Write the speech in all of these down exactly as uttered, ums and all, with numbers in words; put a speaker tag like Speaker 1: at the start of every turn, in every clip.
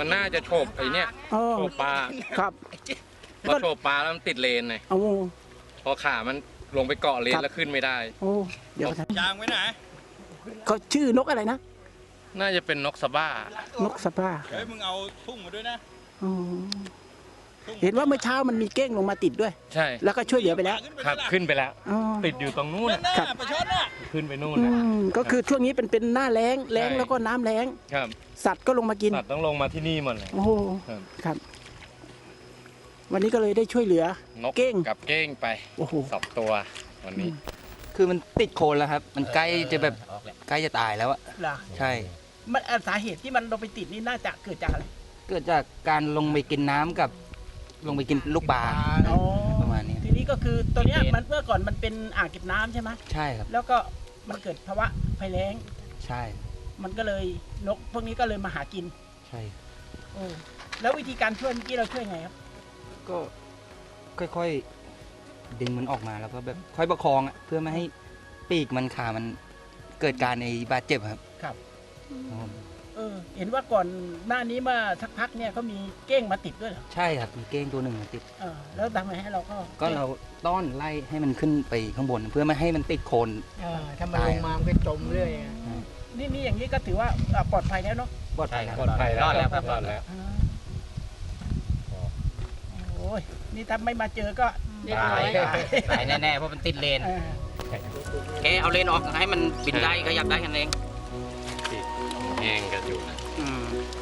Speaker 1: มันน่าจะโฉบไอ้เนี่ย
Speaker 2: อ๋อ
Speaker 1: โฉบปลา
Speaker 2: ครับ
Speaker 1: พอโฉบปลาแล้วมันติดเลนไง
Speaker 2: โอ้
Speaker 1: พอขามันลงไปเกาะเล
Speaker 2: ครั
Speaker 1: น
Speaker 2: บ
Speaker 1: แล้วขึ้นไม่ได้
Speaker 2: โอ้เดี๋ยวนะ
Speaker 3: ยางไว้ไหน
Speaker 2: เขาชื่อนกอะไรนะ
Speaker 1: น่าจะเป็นนกสะบ้าน
Speaker 2: กสะบ้า
Speaker 3: เฮ้ยมึงเอาทุ่งมาด้วยนะ
Speaker 2: อ๋อเห็นว่าเมื่อเช้ามันมีเก้งลงมาติดด้วย
Speaker 1: ใช่
Speaker 2: แล้วก็ช่วยเหลือไปแล้ว
Speaker 1: ครับขึ้นไปแล้ว
Speaker 2: อ๋อ
Speaker 1: ติดอยู่ตรงนู้น
Speaker 3: นั่น
Speaker 1: น่ะ
Speaker 3: น่ะประชดน่ะ
Speaker 1: ขึ้นไปนู่น
Speaker 2: อื
Speaker 1: นะ
Speaker 2: มก็คือช่วงนี้เป็นเป็นหน้าแล้งแล้ง
Speaker 1: ใช่
Speaker 2: แล้วก็น้ำแล้ง
Speaker 1: ครับ
Speaker 2: สัตว์ก็ลงมากิน
Speaker 1: สัตว์ต้องลงมาที่นี่หมดเลย
Speaker 2: โอ้โห
Speaker 1: ครับ
Speaker 2: ครับ วันนี้ก็เลยได้ช่วยเหลือ
Speaker 1: นก
Speaker 2: เก้ง
Speaker 1: กับเก้งไป
Speaker 2: โอ้โห
Speaker 1: สองตัววันนี้
Speaker 4: คือมันติดโคลนแล้วครับ มันใกล้จะแบบใกล้จะตายแล้วอะ
Speaker 2: ล่ะ
Speaker 4: ใช่
Speaker 2: มันอ่ะสาเหตุที่มันลงไปติดนี่น่าจะเกิดจากอะไร
Speaker 4: เกิดจากการลงไปกินน้ำกับ ลงไปกินลูกปลา
Speaker 2: อ๋อ
Speaker 4: ประมาณนี้
Speaker 2: ทีนี้ก็คือตัวเนี้ยมันเมื่อก่อนมันเป็นอ่างเก็บน้ำใช่ไหม
Speaker 4: ใช่ครับ
Speaker 2: แล้วก็มันเกิดภาวะภัยแล้ง
Speaker 4: ใช่
Speaker 2: มันก็เลยนกพวกนี้ก็เลยมาหากิน
Speaker 4: ใช่
Speaker 2: โอ้แล้ววิธีการช่วยเมื่อกี้เราช่วยไงครับ
Speaker 4: ก็ค่อยๆดึงมันออกมาแล้วก็แบบค่อยประคองอะเพื่อไม่ให้ปีกมันขามันเกิดการในบาดเจ็บครับ
Speaker 2: ครับ
Speaker 4: ครับผม
Speaker 2: เออเห็นว่าก่อนหน้านี้เมื่อสักพักเนี่ยเขามีเก้งมาติดด้วยเหรอ
Speaker 4: ใช่ครับมีเก้งตัวหนึ่งติด
Speaker 2: เออแล้วทำไงให้เราก็
Speaker 4: ก็เราต้อนไล่ให้มันขึ้นไปข้างบน เพื่อไม่ให้มันติดโคลน
Speaker 2: เออถ้ามันลงมามันก็จมเรื่อยอะนี่นี่อย่างนี้ก็ถือว่าอ่ะปลอดภัยแล้วเนาะ
Speaker 4: ปลอดภัยครับ
Speaker 1: ปลอดภัยแล้ว
Speaker 4: รอดแล้วครับ
Speaker 1: รอดแล้ว
Speaker 2: อ่าโอ้ยนี่ถ้าไม่มาเจอก็
Speaker 4: ตายตายแน่ๆเพราะมันติดเลน
Speaker 2: เออ
Speaker 4: แค่เอาเลนออกให้มันบินได้ก็ยับได้กันเอง
Speaker 1: เก้งกันอยู่นะ
Speaker 4: อืม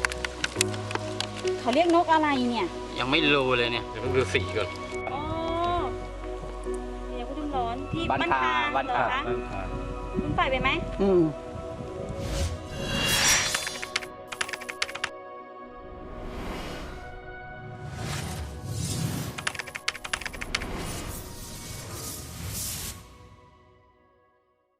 Speaker 5: เขาเรียกนกอะไรเนี่ย
Speaker 4: ยังไม่รู้เลยเนี่ย
Speaker 1: เดี๋ยวเพิ่งดูสีก่อน
Speaker 5: อ๋อเดี๋ยวพูดถึงร้อนที่
Speaker 4: บ้านคา
Speaker 5: บ้านคา
Speaker 4: บ้าน
Speaker 5: เหรอ
Speaker 4: คา
Speaker 5: คะคุณใส่ไปไหม
Speaker 2: อืม